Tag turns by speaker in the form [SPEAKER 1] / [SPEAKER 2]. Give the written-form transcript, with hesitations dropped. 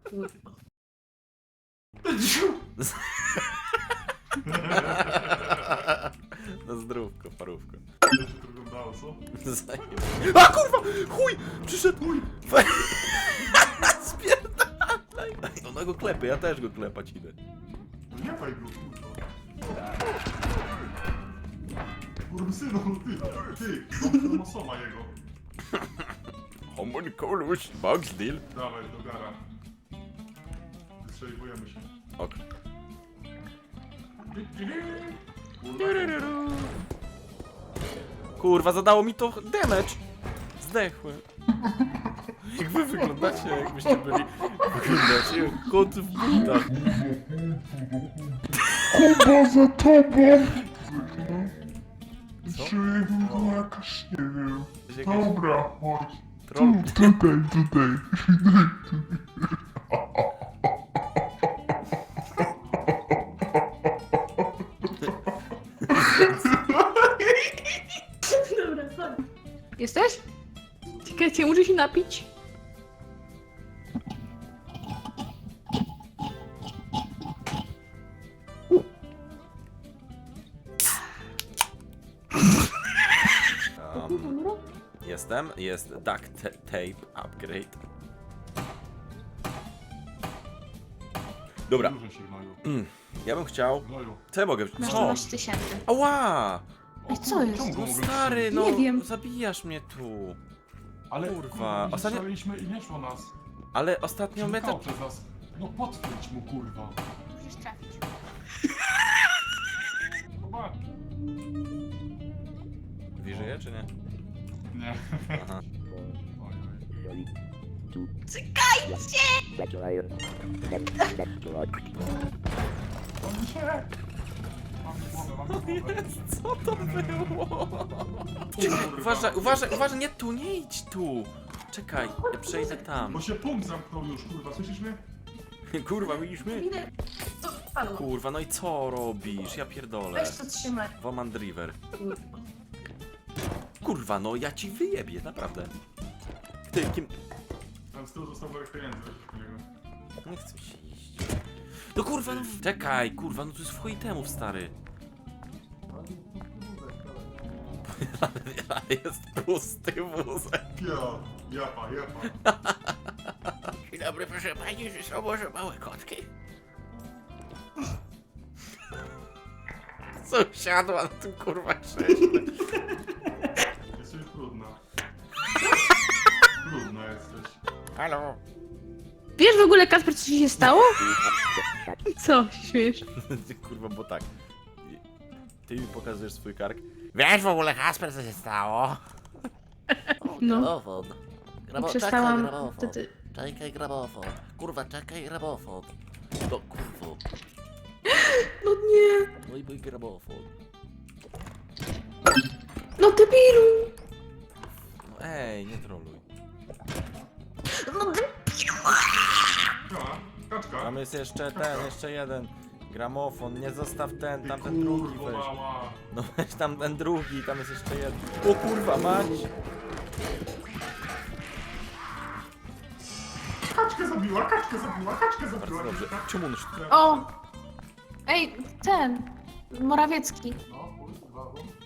[SPEAKER 1] Kurwa.
[SPEAKER 2] Na zdrówko, parówko.
[SPEAKER 3] To się to wyglądało, co?
[SPEAKER 2] A kurwa! Chuj! Przyszedł! Chuj! Spierdalaj! Ona go klepie, ja też go klepać idę.
[SPEAKER 3] No nie faj go, kurwa. Kurwa synu, ty, mam osoma jego.
[SPEAKER 2] Homunculus, Bugs deal.
[SPEAKER 3] Dawaj, do gara. Wystrzeliwujemy się.
[SPEAKER 2] Ok.
[SPEAKER 3] Kurwa,
[SPEAKER 2] Kurwa, zadało mi to damage. Zdechłem. Jak wy wyglądacie, jakbyście byli... Wyglądacie jak kot w butach.
[SPEAKER 3] Kuba za tobą!
[SPEAKER 2] Co?
[SPEAKER 3] Czuję go jakaś, nie wiem.
[SPEAKER 2] Jakaś
[SPEAKER 3] Dobra, chodź.
[SPEAKER 2] troll...
[SPEAKER 3] Tutaj.
[SPEAKER 1] Dobra, chodź. Jesteś? Czekajcie, muszę się napić.
[SPEAKER 2] Jestem, jest duct tape upgrade. Dobra,
[SPEAKER 3] Dużo się gnoju.
[SPEAKER 2] ja bym chciał...
[SPEAKER 3] Gnoju.
[SPEAKER 2] Co ja mogę...
[SPEAKER 1] Masz
[SPEAKER 2] Co?
[SPEAKER 1] 12 000.
[SPEAKER 2] Ała!
[SPEAKER 1] Ej, co jest?
[SPEAKER 3] Czemu go
[SPEAKER 2] No
[SPEAKER 3] mogę
[SPEAKER 2] stary,
[SPEAKER 3] strzelić?
[SPEAKER 2] no
[SPEAKER 1] Nie wiem.
[SPEAKER 2] zabijasz mnie tu.
[SPEAKER 3] Ale
[SPEAKER 2] kurwa,
[SPEAKER 3] kurwa,
[SPEAKER 2] ostatnio-
[SPEAKER 3] strzeliliśmy i nie szło nas.
[SPEAKER 2] Ale ostatnio my
[SPEAKER 3] Przenikało
[SPEAKER 2] to...
[SPEAKER 3] przez nas. No potwierdź mu, kurwa.
[SPEAKER 1] Musisz trafić.
[SPEAKER 3] Zobacz.
[SPEAKER 2] Żyje czy nie?
[SPEAKER 3] Nie.
[SPEAKER 2] Aha.
[SPEAKER 3] Oj, oj. On się! Mam głowę.
[SPEAKER 2] Co to było? Uważaj, nie tu, nie idź tu. Czekaj, ja przejdę tam.
[SPEAKER 3] Bo się punkt zamknął już, kurwa, słyszysz mnie?
[SPEAKER 2] Kurwa, widzisz mnie?
[SPEAKER 1] Idę. To padło.
[SPEAKER 2] Kurwa, no i co robisz? Ja pierdolę.
[SPEAKER 1] Weź to trzymaj.
[SPEAKER 2] Woman Driver.
[SPEAKER 1] Kurwa.
[SPEAKER 2] Kurwa, no ja ci wyjebię, naprawdę. Ty, kim...
[SPEAKER 3] Tam z tyłu został worek pieniędzy, weź po niego.
[SPEAKER 2] Nie chcę się iść. No kurwa, no... Czekaj, kurwa, no to jest w chuj temów, stary. Ale jest pusty wózek.
[SPEAKER 3] Japa.
[SPEAKER 2] Dzień dobry, proszę pani, czy są może małe kotki? Co siadła na tym kurwa krześle?
[SPEAKER 3] Jesteś trudna. Trudna jesteś.
[SPEAKER 2] Halo?
[SPEAKER 1] Wiesz w ogóle, Kasper, co ci się stało? Co się śmiesz?
[SPEAKER 2] Kurwa, bo tak. Ty mi pokazujesz swój kark. Wiesz w ogóle, Kasper, co się stało?
[SPEAKER 1] No.
[SPEAKER 4] Gramofon.
[SPEAKER 1] Przestałam
[SPEAKER 4] Czekaj, gramofon.
[SPEAKER 1] wtedy.
[SPEAKER 4] Czekaj, gramofon. Kurwa, czekaj, gramofon. No kurwa,
[SPEAKER 1] No nie.
[SPEAKER 4] mój gramofon.
[SPEAKER 1] No debilu.
[SPEAKER 2] No ej, nie troluj.
[SPEAKER 1] No debilu.
[SPEAKER 3] Kaczka.
[SPEAKER 2] Tam jest jeszcze ten, jeszcze jeden. Gramofon, nie zostaw ten, tamten drugi
[SPEAKER 3] Kurwa
[SPEAKER 2] weź.
[SPEAKER 3] mała.
[SPEAKER 2] No weź tam ten drugi, tam jest jeszcze jeden. O kurwa, mać!
[SPEAKER 3] Kaczkę zabiła.
[SPEAKER 2] Bardzo dobrze. Czemu on się...
[SPEAKER 1] O. Ej, ten. Morawiecki.
[SPEAKER 3] No, kurwa, bo...